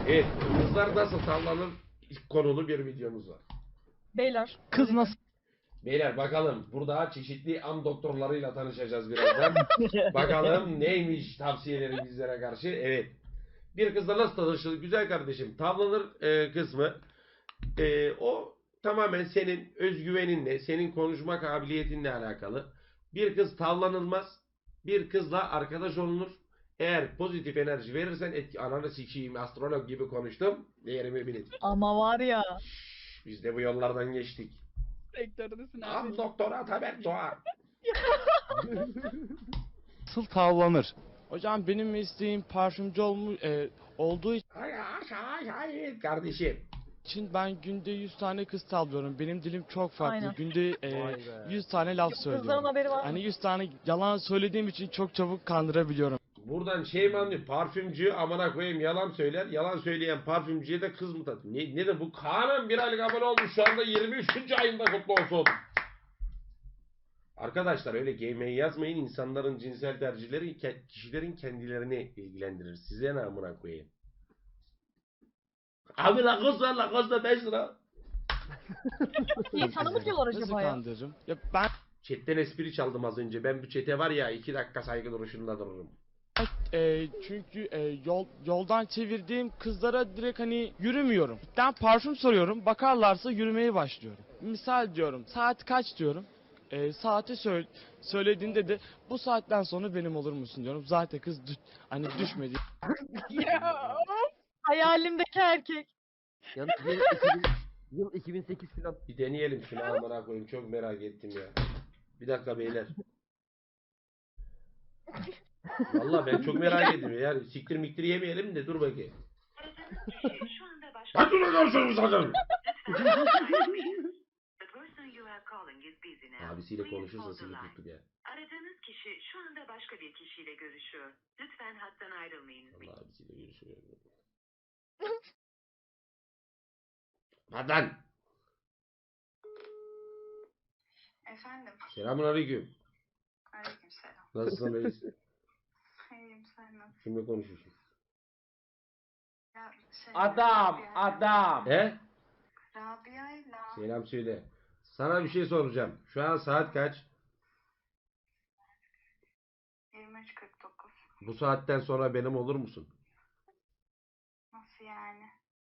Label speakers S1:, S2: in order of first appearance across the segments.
S1: Evet, kızlar nasıl tavlanır konulu bir videomuz var.
S2: Beyler.
S3: Kız nasıl?
S1: Beyler bakalım burada çeşitli am doktorlarıyla tanışacağız birazdan. Bakalım neymiş tavsiyeleri bizlere karşı. Evet. Bir kızla nasıl tanışılır güzel kardeşim? Tavlanır kısmı o tamamen senin özgüveninle, senin konuşma kabiliyetinle alakalı. Bir kız tavlanılmaz. Bir kızla arkadaş olunur. Eğer pozitif enerji verirsen ananı sikeyim astrolog gibi konuştum. Değerimi bilin.
S2: Ama var ya.
S1: Biz de bu yollardan geçtik.
S2: Sektördesin
S1: Am
S2: abi.
S1: doktor Ataberk Doğan.
S3: Nasıl tavlanır?
S4: Hocam benim mesleğim parfümcü olduğu
S1: Hayır kardeşim.
S4: için ben günde 100 tane kız tavlıyorum. Benim dilim çok farklı.
S2: Aynen.
S4: Günde 100 tane laf
S2: Kızların
S4: söylüyorum.
S2: haberi var mı?
S4: Hani 100 tane yalan söylediğim için çok çabuk kandırabiliyorum.
S1: Buradan şey mi anlıyor? Parfümcü amına koyayım yalan söyler. Yalan söyleyen parfümcüye de kız mı tatlı? Ne de bu Kaan'ın bir aylık abone olmuş şu anda 23. ayında kutlu olsun. Arkadaşlar öyle gaymeyi yazmayın. İnsanların cinsel tercihleri kişilerin kendilerini ilgilendirir. Size ne amına koyayım? Abi Lacoste var 5 lira.
S2: İyi sana mı diyorlar
S4: Nasıl
S2: acaba ya?
S4: kandırırım? Ya ben
S1: Chatten espri çaldım az önce. Ben bu chat'e var ya 2 dakika saygı duruşunda dururum.
S4: çünkü yoldan çevirdiğim kızlara direkt hani yürümüyorum. Ben parfüm soruyorum. Bakarlarsa yürümeye başlıyorum. Misal diyorum. Saat kaç diyorum. Saati söylediğinde de bu saatten sonra benim olur musun diyorum. Zaten kız hani düşmedi.
S2: Ya. Hayalimdeki erkek.
S5: Yalnız yıl 2008 falan.
S1: Bir deneyelim şunu amına koyayım. Çok merak ettim ya. Bir dakika beyler. Vallahi ben çok merak ediyorum. Yani siktir miktir yemeyelim de dur bakayım. Ben dur konuşuyorum zaten. Abisiyle konuşursa seni tuttuk ya.
S6: Aradığınız kişi şu anda başka bir kişiyle görüşüyor. Lütfen hattan ayrılmayın.
S1: Allah abisiyle görüşüyor. Hadi lan.
S6: Efendim,
S1: Selamun aleyküm.
S6: aleykümselam.
S1: Nasılsın reis?
S6: İyiyim, sen nasılsın?
S1: Kimle konuşuyorsun?
S6: Ya,
S5: Adam,
S6: Rabia-
S5: adam.
S1: He?
S6: Rabia'yla
S1: Selam söyle. Sana bir şey soracağım. Şu an saat kaç?
S6: 23.49.
S1: Bu saatten sonra benim olur musun?
S6: Nasıl yani?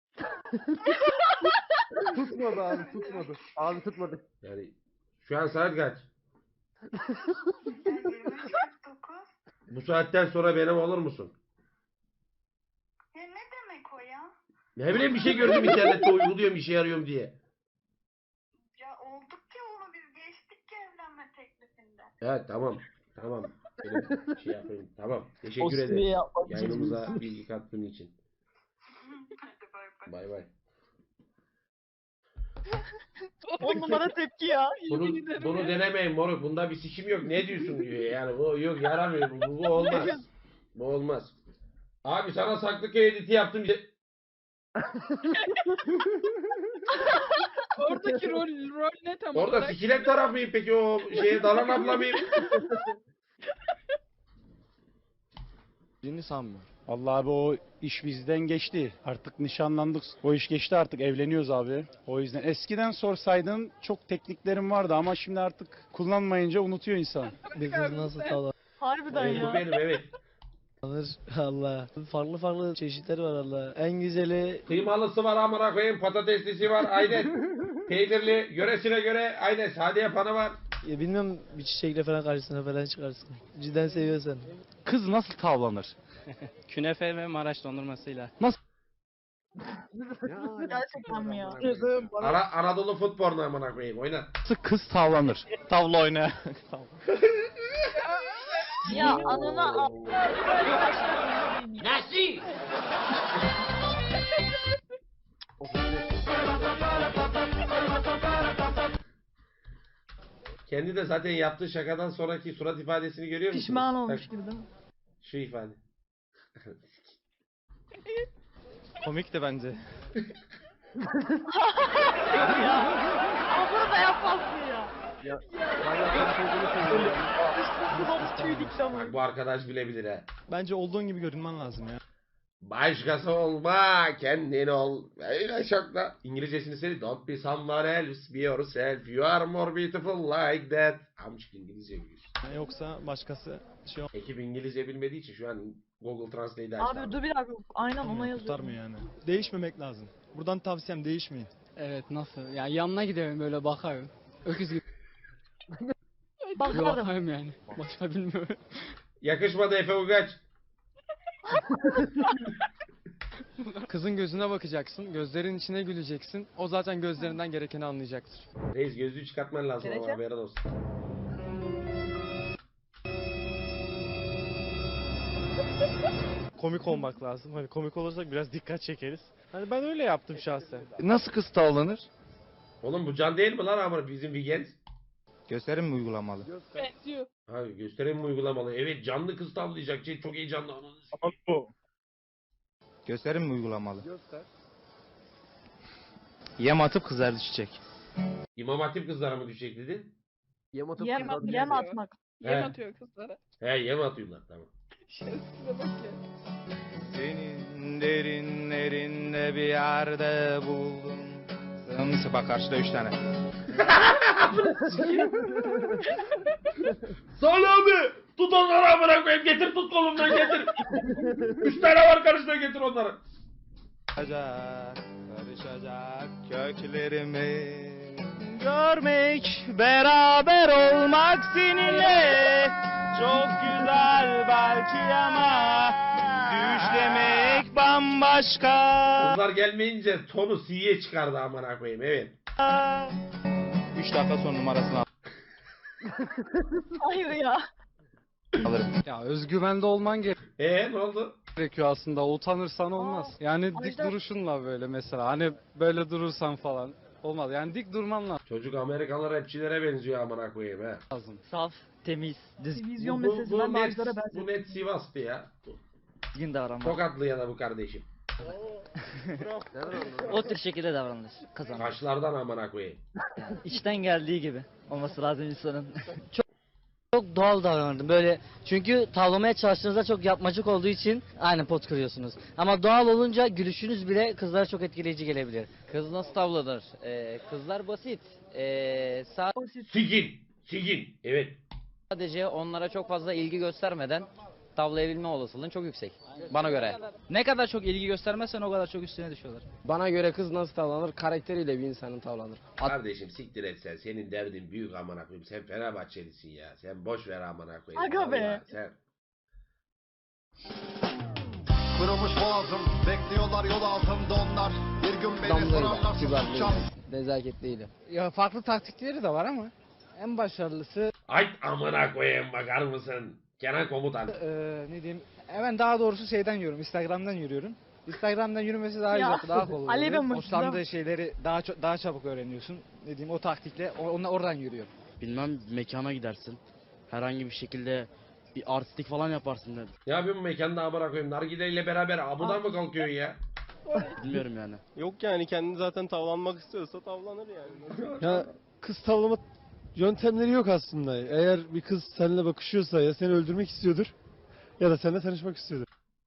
S5: Tutmadı abi, tutmadı. Abi tutmadı.
S1: Yani şu an saat kaç?
S6: Ya 23.49?
S1: Bu saatten sonra benim olur musun?
S6: Ya ne demek o ya?
S1: Ne bileyim bir şey gördüm internette uyguluyorum işe yarıyorum diye.
S6: Ya olduk ki onu biz geçtik ki evlenme teklifinde.
S1: Evet tamam. Tamam. Benim şey yapayım. Tamam.
S3: O
S1: Teşekkür
S3: süreyi
S1: ederim.
S3: yapmak için.
S1: Yayınımıza bilgi kattığın için.
S6: Hadi bay bay.
S1: Bay bay.
S2: 10 numara tepki ya.
S1: Bunu,
S2: Yemin ederim
S1: bunu
S2: ya.
S1: denemeyin moruk. Bunda bir sikim yok. Ne diyorsun diyor. Yani bu yok yaramıyor. Bu olmaz. Bu olmaz. Abi sana Saklıköy editi yaptım.
S2: Oradaki rol ne tam
S1: Orada
S2: olarak?
S1: sikilet taraf mıyım peki o şeye dalan abla mıyım?
S4: Yeni sanmıyorum.
S7: Vallahi abi o iş bizden geçti. Artık nişanlandık. O iş geçti artık evleniyoruz abi. O yüzden eskiden sorsaydın çok tekniklerim vardı ama şimdi artık kullanmayınca unutuyor insan.
S8: Bir kız nasıl
S2: Harbiden
S1: Evet, bu
S2: ya.
S1: benim evet.
S8: tavlanır Allah. Farklı farklı çeşitleri var Allah. En güzeli
S1: Kıymalısı var amına koyayım, patateslisi var aynen. Peynirli, yöresine göre aynen sade yapanı var.
S8: ya bilmiyorum bir çiçekle falan karşısına falan çıkarsın. Cidden seviyorsan.
S3: Kız nasıl tavlanır?
S9: Künefe ve Maraş dondurmasıyla.
S2: Gerçekten mi ya?
S1: Anadolu futbolunu amına koyayım oynat.
S3: Nasıl kız tavlanır? Tavla oyna.
S2: Ya anana
S1: Nasıl? Kendi de zaten yaptığı şakadan sonraki surat ifadesini görüyor musun?
S2: pişman olmuş gibi değil mi?
S1: Şu ifade.
S9: Komik de bence.
S2: Abla da yapmazsın ya.
S5: Ya, manyak olduğunu söylüyor.
S2: Kulağımız tüy dikti ama.
S1: Bak bu arkadaş bilebilir ha.
S9: Bence olduğun gibi görünmen lazım ya.
S1: Başkası olma, kendin ol. Öyle çok da. İngilizcesini söyle. Don't be someone else, be yourself. You are more beautiful like that. Amcık İngilizce biliyorsun.
S9: Yoksa başkası şey
S1: Ekip İngilizce bilmediği için şu an Google Translate'i açtı.
S2: Abi dur bir dakika. Aynen ona yazıyorum.
S9: kurtarmıyor yani. Değişmemek lazım. Buradan tavsiyem değişmeyin.
S8: Evet nasıl? Yani yanına gidelim böyle bakarım. Öküz gibi
S2: Bakarım.
S8: bakarım yani. Başka bilmiyorum.
S1: Yakışmadı Efe Ugaç.
S9: Kızın gözüne bakacaksın, gözlerin içine güleceksin. O zaten gözlerinden gerekeni anlayacaktır.
S1: Reis gözlüğü çıkartman lazım ama
S2: Gereken?
S1: haberin olsun.
S9: Komik olmak lazım. Hani komik olursak biraz dikkat çekeriz. Hani ben öyle yaptım şahsen.
S3: Nasıl kız tavlanır?
S1: Oğlum bu Can değil mi lan ama bizim Vigens?
S3: Gösterim mi uygulamalı?
S1: Ha gösterim mi uygulamalı? Evet canlı kız tavlayacak. Şey, çok heyecanlı.
S3: Gösterim mi uygulamalı? Yem atıp kızar düşecek.
S1: İmam Hatip kızlara mı düşecek dedin?
S5: Yem atıp
S2: Yem,
S5: kızartacak
S2: yem
S5: ya.
S2: atmak.
S1: He. He yem atıyorlar tamam.
S3: Senin derinlerinde bir yerde buldum. Sımsı bak karşıda 3 tane.
S1: Salih abi! Tut onları amına koyayım. Getir tut kolumdan getir. 3 tane var karşıda getir onları.
S3: Karışacak köklerimi görmek, beraber olmak seninle çok güzel belki ama düşlemek bambaşka.
S1: Kızlar gelmeyince tonu C'ye çıkardı amına koyayım evet.
S3: 3 dakika son numarasını
S2: Hayır ya.
S3: alırım.
S7: Ya özgüvende olman
S1: Ne oldu?
S7: gerekiyor aslında. Utanırsan olmaz. Yani dik
S2: Ajda-
S7: duruşunla böyle mesela. Hani böyle durursan falan olmaz. Yani dik durman
S1: Çocuk Amerikalı rapçilere benziyor amına koyayım he.
S7: lazım.
S8: Saf, temiz,
S2: Vizyon
S1: Bu
S2: meselesinden
S1: net,
S2: Ajdar'a benziyor.
S1: bu net Sivas'tı ya.
S8: düzgün davranmak.
S1: Tokatlı ya da bu kardeşim.
S5: Nereden anladın?
S8: O tür şekilde davranılır. Kazanır.
S1: Kaşlardan amına koyayım.
S8: İçten geldiği gibi olması lazım insanın. Çok doğal davranırdım böyle. Çünkü tavlamaya çalıştığınızda çok yapmacık olduğu için aynı pot kırıyorsunuz. Ama doğal olunca gülüşünüz bile kızlara çok etkileyici gelebilir. Kız nasıl tavlanır? Kızlar basit.
S1: Sigin. Sigin. Evet.
S8: Sadece onlara çok fazla ilgi göstermeden tavlayabilme olasılığın çok yüksek. Bana göre. Ne kadar çok ilgi göstermezsen o kadar çok üstüne düşüyorlar.
S9: Bana göre kız nasıl tavlanır? Karakteriyle bir insanın tavlanır.
S1: Kardeşim siktir et sen. Senin derdin büyük amına koyayım. Sen Fenerbahçelisin ya. Sen boş ver amına koyayım.
S2: Aga be.
S1: Vallahi Sen...
S10: Kırılmış boğazım, bekliyorlar yol altımda onlar. Bir gün beni sorarlar susacağım.
S8: Nezaketliydi.
S9: Ya farklı taktikleri de var ama en başarılısı
S1: Ay amına koyayım bakar mısın? Kenan Komutan.
S9: ne diyeyim? Hemen daha doğrusu şeyden yürüyorum. Instagram'dan yürüyorum. Instagram'dan yürümesi daha
S2: Ya,
S9: güzel, daha kolay.
S2: Ali
S9: oluyor.
S2: ben
S9: Hoşlandığı şeyleri daha çabuk öğreniyorsun. Ne diyeyim o taktikle oradan yürüyorum.
S8: Bilmem mekana gidersin. Herhangi bir şekilde bir artistik falan yaparsın dedim.
S1: Ne yapıyorsun mekanda amına koyayım? Nargileyle beraber amudan mı kalkıyorsun ya?
S8: Bilmiyorum yani.
S9: Yok yani kendi zaten tavlanmak istiyorsa tavlanır yani.
S7: Ya kız tavlama yöntemleri yok aslında. Eğer bir kız seninle bakışıyorsa ya seni öldürmek istiyordur ya da seninle tanışmak istiyordur.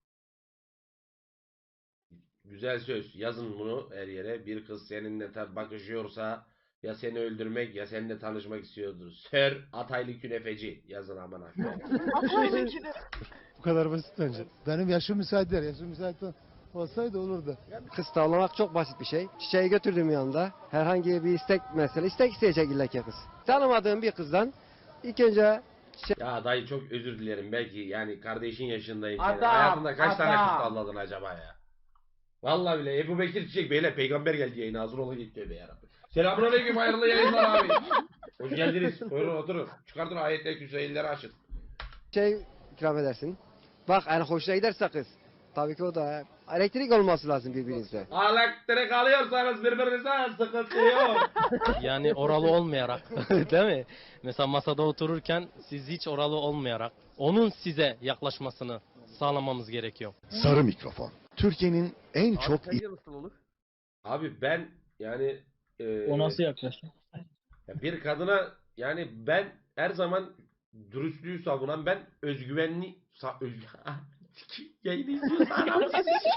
S1: Güzel söz. Yazın bunu her yere. Bir kız seninle bakışıyorsa ya seni öldürmek ya seninle tanışmak istiyordur. Sir Ataylı Künefeci. Yazın amına koyayım.
S2: Ataylıkini.
S7: Bu kadar basit bence. Benim yaşım müsait değil. Yaşım müsait olsaydı olurdu.
S5: Kız tavlamak çok basit bir şey. Çiçeği götürdüğüm yanında herhangi bir istek mesela istek isteyecek illa ki kız. Tanımadığım bir kızdan ilk önce
S1: Ya dayı çok özür dilerim. Belki yani kardeşin yaşındayım.
S5: Adam,
S1: Hayatında kaç tane
S5: adam.
S1: kız tavladın acaba ya? Vallahi bile Ebu Bekir Çiçek Bey'le peygamber geldi yayına. Hazır olun git tövbe yarabbim. Selamünaleyküm hayırlı yayınlar abi. Hoş geldiniz. Buyurun oturun. Çıkartın ayetleri küseyilleri açın.
S5: şey ikram edersin. Bak yani hoşuna giderse kız. Tabii ki o da elektrik olması lazım birbirinizde.
S1: Elektrik alıyorsanız birbirinize sıkıntı yok.
S9: Yani oralı olmayarak değil mi? Mesela masada otururken siz hiç oralı olmayarak onun size yaklaşmasını sağlamamız gerekiyor.
S10: Sarı mikrofon. Türkiye'nin en çok
S5: Sence nasıl olur?
S1: Abi ben yani
S8: yaklaşım?
S1: bir kadına yani ben her zaman dürüstlüğü savunan ben özgüvenli Yayını izliyorsa anam sesi.